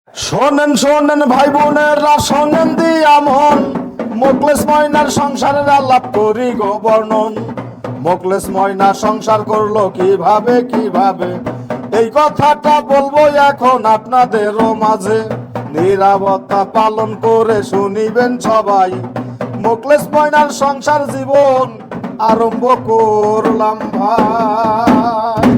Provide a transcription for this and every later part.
শোনেন শোনেন ভাই বোনেরা, শোনেন দিয়া মন, মোকলেস ময়নার সংসারের আলাপ করি গো বর্ণন। মোকলেস ময়না সংসার করলো কিভাবে কিভাবে, এই কথাটা বলবো এখন আপনাদেরও মাঝে। নীরবতা পালন করে শুনিবেন সবাই, মোকলেস ময়নার সংসার জীবন আরম্ভ করলাম ভাই।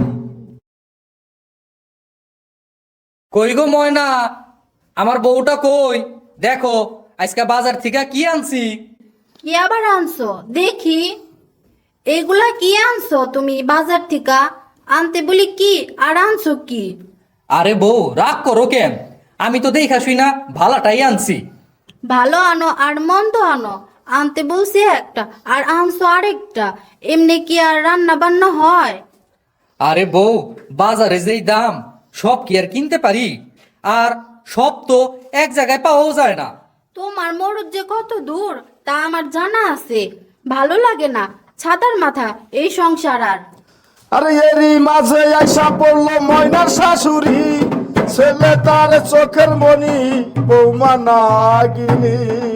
কই গো ময়না, আমার বউটা কই? দেখো আজকে বাজার থেকে কি আনছি। কি আবার আনছো দেখি? এগুলা কি আনছো তুমি বাজার থেকে? আনতে বলি কি আর আনছো কি? আরে বউ রাগ করো কেন? আমি তো দেখা শুই না ভালাটাই আনছি। ভালো আনো আর মন্দ আনো, আনতে বলছি একটা আর আনছো আরেকটা, এমনি কি আর রান্না বান্না হয়? আরে বউ, বাজারে যেই দাম সব কি আর কিনতে পারি? আর সব তো এক জায়গায় পাওয়াও যায় না। তোমার মরদ যে কত দূর তা আমার জানা আছে। ভালো লাগে না ছাতার মাথা এই সংসার আর। আরে এরই মাঝে আইসা পড়লো ময়নার শাশুড়ি, ছেলে তার চোখের মনি, বৌমা নাগিনী।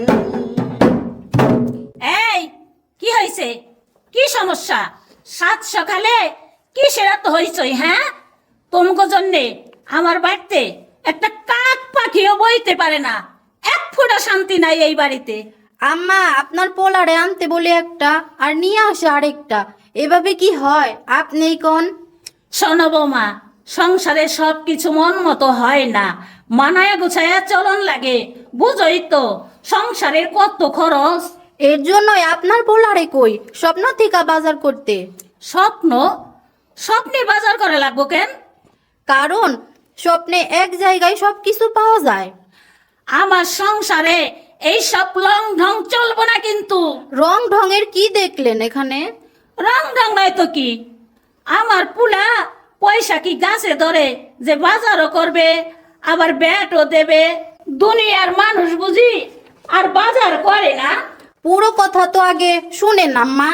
এই কি হয়েছে? কি সমস্যা? সাত সকালে কিসের এত হইচই? হ্যাঁ, তোমাকে জন্যে আমার বাড়িতে একটা কাক পাখিও বইতে পারে না। এক ফোঁটা শান্তি নাই এই বাড়িতে। আম্মা আপনার পোলারে আনতে বলে একটা আর নিয়ে আসে আরেকটা, এভাবে কি হয় আপনি কোন? শোনো বৌমা, সংসারে সব কিছু মন মতো হয় না, মানায়া গুছায়া চলন লাগে। বুঝোই তো সংসারের কত খরচ। এর জন্যই আপনার পোলারে কই স্বপ্ন থেকে বাজার করতে। স্বপ্ন? স্বপ্নে বাজার করে লাগবো কেন? কারণ স্বপ্নে এক জায়গায় সবকিছু পাওয়া যায়। আমার সংসারে এই সব লং ঢং চলবো না কিন্তু। রং ঢঙের কি দেখলেন এখানে? রং ঢং নয় তো কি, আমার পুলা পয়সা কি গাছে ধরে যে বাজারও করবে আবার ব্যাটও দেবে? দুনিয়ার মানুষ বুঝি আর বাজার করে না? পুরো কথা তো আগে শুনেন আম্মা।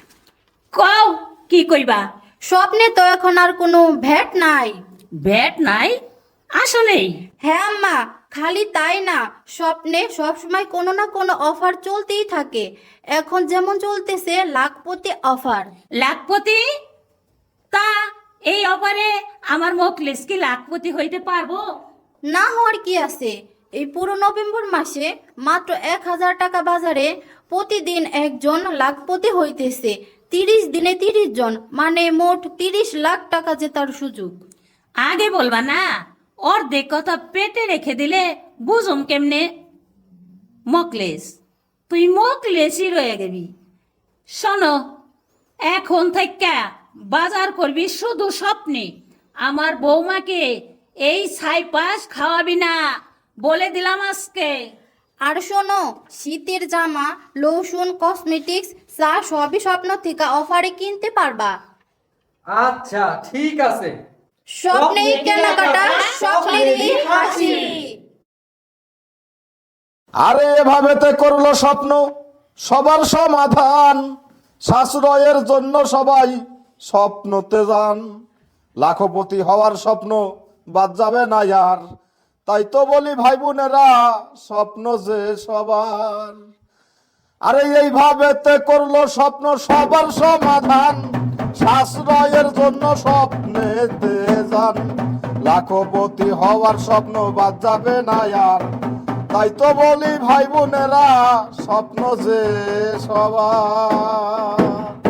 কও কি কইবা? স্বপ্নে তো এখন আর কোনো ভ্যাট নাই। ব্যাট নাই আসলেই? হ্যাঁ আম্মা, খালি তাই না, স্বপ্নে সবসময় কোনো না কোনো অফার চলতেই থাকে। এখন যেমন চলতেছে লাখপতি অফার। লাখপতি? তা এই অফারে আমার মোকলেস কি লাখপতি হইতে পারবো? না হওয়ার কি আছে? এই পুরো নভেম্বর মাসে মাত্র 1,000 টাকা বাজারে প্রতিদিন একজন লাখপতি হইতেছে। 30 দিনে 30 জন, মানে মোট 30 লাখ টাকা জেতার সুযোগ। আগে বলবা না, অর্ধেক কথা পেটে রেখে দিলে বুঝুম কেমনে? মোকলেস, তুই মোকলেসই রয়ে গেবি। শোনো, এখন থেকে বাজার করবি শুধু স্বপ্নে। আমার বৌমাকে এই ছাইপাশ খাওয়াবি না, বলে দিলাম আজকে। আর শোনো, শীতের জামা, লোশন, কসমেটিক্স, চা সবই স্বপ্ন থেকে অফারে কিনতে পারবা। আচ্ছা ঠিক আছে। স্বপ্নেই কেনাকাটা, স্বপ্নেরই হাসি। আরে এভাবেতে করলো স্বপ্ন সবার সমাধান, সাশ্রয়ের জন্য সবাই স্বপ্নতে যান। লাখপতি হওয়ার স্বপ্ন বাদ যাবে না আর, তাই তো বলি ভাই বোনেরা, স্বপ্ন যে সবার। আরে এইভাবেতে করলো স্বপ্ন সবার সমাধান, সাশ্রয়ের জন্য স্বপ্নেতে যান। লাখপতি হওয়ার স্বপ্ন বাদ যাবে না আর, তাই তো বলি ভাই বোনেরা, স্বপ্ন যে সবার।